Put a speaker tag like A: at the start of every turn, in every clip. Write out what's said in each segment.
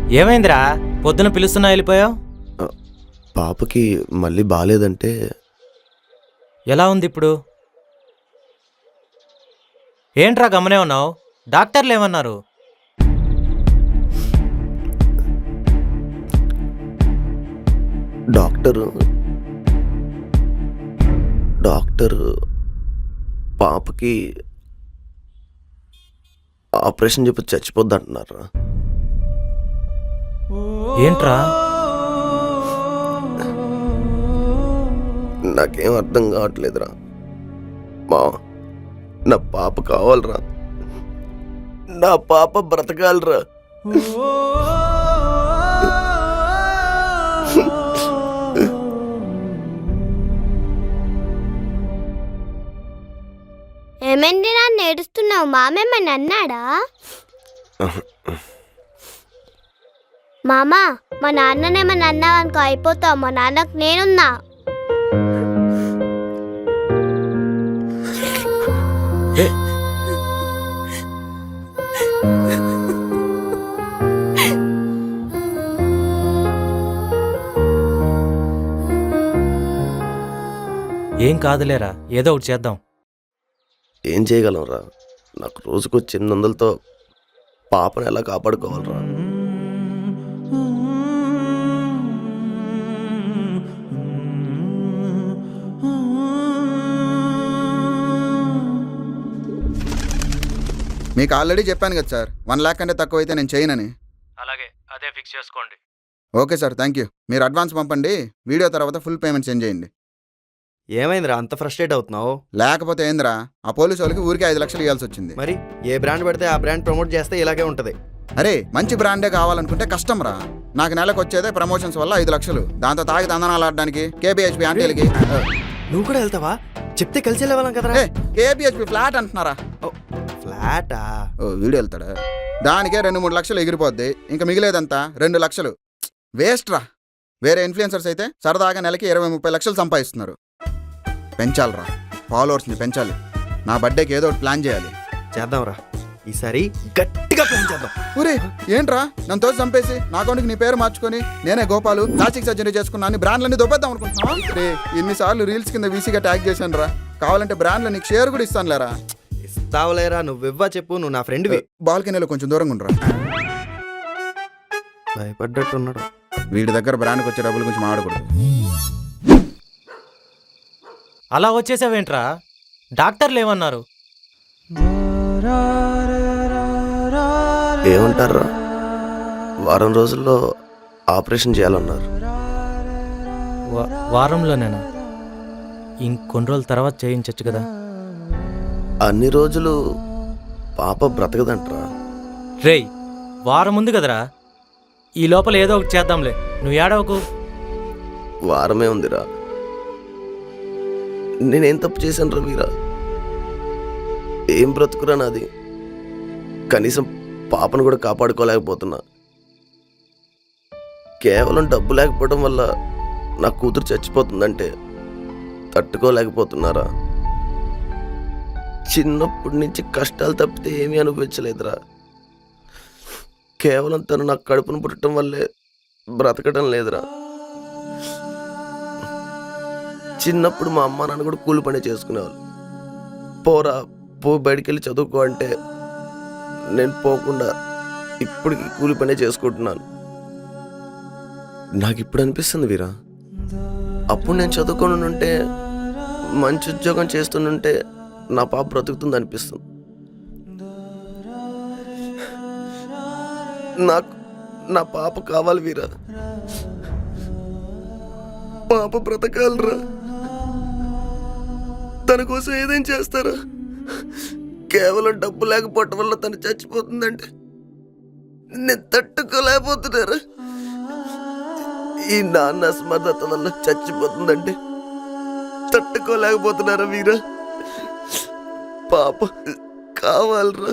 A: ఏమైందిరా పొద్దున పిలుస్తున్నా వెళ్ళిపోయావు?
B: పాపకి మళ్ళీ బాలేదంటే.
A: ఎలా ఉంది ఇప్పుడు? ఏంట్రా గమనే ఉన్నావు? డాక్టర్లు ఏమన్నారు?
B: డాక్టర్ పాపకి ఆపరేషన్ చెప్పి చచ్చిపోద్ది అంటున్నారా?
A: ఏంట్రా?
B: నాకేం అర్థం కావట్లేదురా. నా పాప కావాలరా, నా పాప బ్రతకాలరా.
C: ఏమైంది నాన్న ఏడుస్తున్నావు? మామేమని అన్నాడా? మామా, మా నాన్ననేమని అన్నావు అనుకో అయిపోతావు. మా నాన్నకు నేనున్నా.
A: ఏం కాదులేరా, ఏదో ఒకటి చేద్దాం.
B: ఏం చేయగలంరా? నాకు రోజుకు 800తో పాపను ఎలా కాపాడుకోవాలరా?
D: మీకు ఆల్రెడీ చెప్పాను కదా సార్, 1 లాక్ కంటే తక్కువ అయితే నేను చేయనని.
A: అలాగే, అదే ఫిక్స్ చేసుకోండి.
D: Okay sir, thank you. మీరు అడ్వాన్స్ పంపండి, వీడియో తర్వాత ఫుల్ పేమెంట్ సెండ్ చేయండి.
E: ఏమైందిరా అంత ఫ్రస్ట్రేట్ అవుతున్నావు?
D: లేకపోతే ఏందిరా, ఆ పోలీసు వాళ్ళకి ఊరికి 5 లక్షలు ఇవ్వాల్సి వచ్చింది.
E: మరి ఏ బ్రాండ్ పెడితే ఆ బ్రాండ్ ప్రమోట్ చేస్తే ఇలాగే ఉంటది.
D: అరే, మంచి బ్రాండే కావాలనుకుంటే కష్టం రా. నాకు నెలకు వచ్చేదే ప్రమోషన్స్ వల్ల 5 లక్షలు. దాంతో తాగి తందనాలు ఆడడానికి కేబిహెచ్పి ఆంటీలకి.
E: నువ్వు కూడా వెళ్తావా? చెప్తే కలిసి వెళ్ళేవాళ్ళం కదరా.
D: కేబిహెచ్పి ఫ్లాట్ అంటున్నారా?
E: ఫ్లాటా?
D: ఓ, వీడు వెళ్తాడా? దానికే 2-3 లక్షలు ఎగిరిపోద్ది. ఇంకా మిగిలేదంతా 2 లక్షలు. వేస్ట్ రా. వేరే ఇన్ఫ్లుయెన్సర్స్ అయితే సరదాగా నెలకి 20-30 లక్షలు సంపాదిస్తున్నారు. పెంచాలరా, ఫాలోవర్స్ని పెంచాలి. నా బర్త్డేకి ఏదో ఒకటి ప్లాన్ చేయాలి.
E: చేద్దాంరా, ఈసారి గట్టిగా ప్లాన్ చేద్దాం.
D: ఊరే ఏంట్రా, నన్ను తోసి చంపేసి నా అకౌంట్కి నీ పేరు మార్చుకొని నేనే గోపాలు ప్లాస్టిక్ సర్జరీ చేసుకున్నాను బ్రాండ్లన్నీ దొబ్బేద్దాం అనుకుంటున్నా. రే, ఇన్నిసార్లు రీల్స్ కింద వీసీగా ట్యాగ్ చేశాను రా. కావాలంటే బ్రాండ్లో నీకు షేర్ కూడా ఇస్తాను లేరా.
E: ఇస్తావులేరా, నువ్వివ్వా చెప్పు, నువ్వు నా ఫ్రెండ్వి.
D: బాల్కనీలో కొంచెం దూరంగా ఉండరా.
E: భయపడ్డట్టున్నాడు.
D: వీడి దగ్గర బ్రాండ్కి వచ్చే డబ్బుల గురించి మాట్లాడకూడదు.
A: అలా వచ్చేసావేంట్రా? డాక్టర్లు ఏమన్నారు?
B: ఏమంటారా, వారం రోజుల్లో ఆపరేషన్ చేయాలన్నారు.
A: వారంలోనేనా? ఇంకొన్ని రోజుల తర్వాత చేయించచ్చు కదా.
B: అన్ని రోజులు పాప బ్రతకదంటరా.
A: రేయ్, వారం ఉంది కదరా, ఈ లోపల ఏదో ఒకటి చేద్దాంలే, నువ్వు ఏడవకు.
B: వారమే ఉందిరా. నేనేం తప్పు చేశాను రా వీరా? ఏం బ్రతుకురా నాది? కనీసం పాపను కూడా కాపాడుకోలేకపోతున్నా. కేవలం డబ్బు లేకపోవడం వల్ల నా కూతురు చచ్చిపోతుందంటే తట్టుకోలేకపోతున్నారా? చిన్నప్పటి నుంచి కష్టాలు తప్పితే ఏమీ అనుభవించలేదురా. కేవలం తను నాకు కడుపును పుట్టడం వల్లే బ్రతకడం లేదురా. చిన్నప్పుడు మా అమ్మ నాన్న కూడా కూలి పని చేసుకునేవాళ్ళు. పోరా పో, బయటికి వెళ్ళి చదువుకో అంటే నేను పోకుండా ఇప్పటికి కూలి పనే చేసుకుంటున్నాను. నాకు ఇప్పుడు అనిపిస్తుంది వీరా, అప్పుడు నేను చదువుకొని ఉంటే, మంచి ఉద్యోగం చేస్తుంటే నా పాప బ్రతుకుతుంది అనిపిస్తుంది. నాకు నా పాప కావాలి వీరా. పాప బ్రతకాలరా. తన కోసం ఏదేం చేస్తారా? కేవలం డబ్బు లేకపోవటం వల్ల తను చచ్చిపోతుందంటే నేను తట్టుకోలేకపోతున్నారా? ఈ నాన్న అసమర్థత వల్ల చచ్చిపోతుందంటే తట్టుకోలేకపోతున్నారా వీరా? పాప కావాలరా.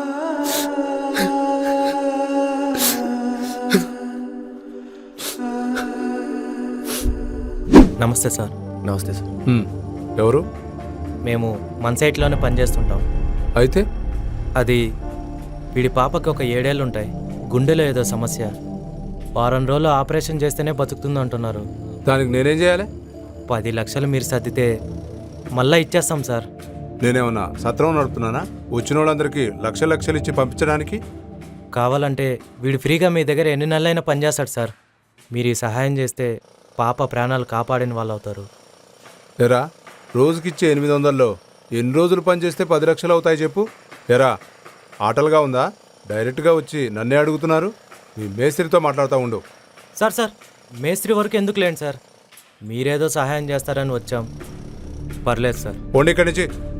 A: నమస్తే సార్.
B: నమస్తే సార్.
F: ఎవరు?
A: మేము మన సైట్లోనే పనిచేస్తుంటాం.
F: అయితే
A: అది వీడి పాపకి ఒక 7 ఏళ్ళు ఉంటాయి. గుండెలో ఏదో సమస్య. వారం రోజులు ఆపరేషన్ చేస్తేనే బతుకుతుంది అంటున్నారు.
F: దానికి నేనేం చేయాలి?
A: 10 లక్షలు మీరు సర్దితే మళ్ళీ ఇచ్చేస్తాం సార్.
F: నేనేమన్నా సత్రం నడుపుతున్నానా? వచ్చిన వాళ్ళందరికీ లక్షలు ఇచ్చి పంపించడానికి?
A: కావాలంటే వీడు ఫ్రీగా మీ దగ్గర ఎన్ని నెలలైనా పనిచేస్తాడు సార్. మీరు ఈ సహాయం చేస్తే పాప ప్రాణాలు కాపాడిన వాళ్ళు అవుతారు.
F: ఎరా, రోజుకిచ్చే 800లో ఎన్ని రోజులు పనిచేస్తే 10 లక్షలు అవుతాయి చెప్పు. ఎరా, ఆటలుగా ఉందా? డైరెక్ట్గా వచ్చి నన్నే అడుగుతున్నారు. మీ మేస్త్రితో మాట్లాడుతూ ఉండు.
A: సార్ మేస్త్రి వరకు ఎందుకు లేండి సార్, మీరేదో సహాయం చేస్తారని వచ్చాం. పర్లేదు సార్.
F: పోండి ఇక్కడి నుంచి.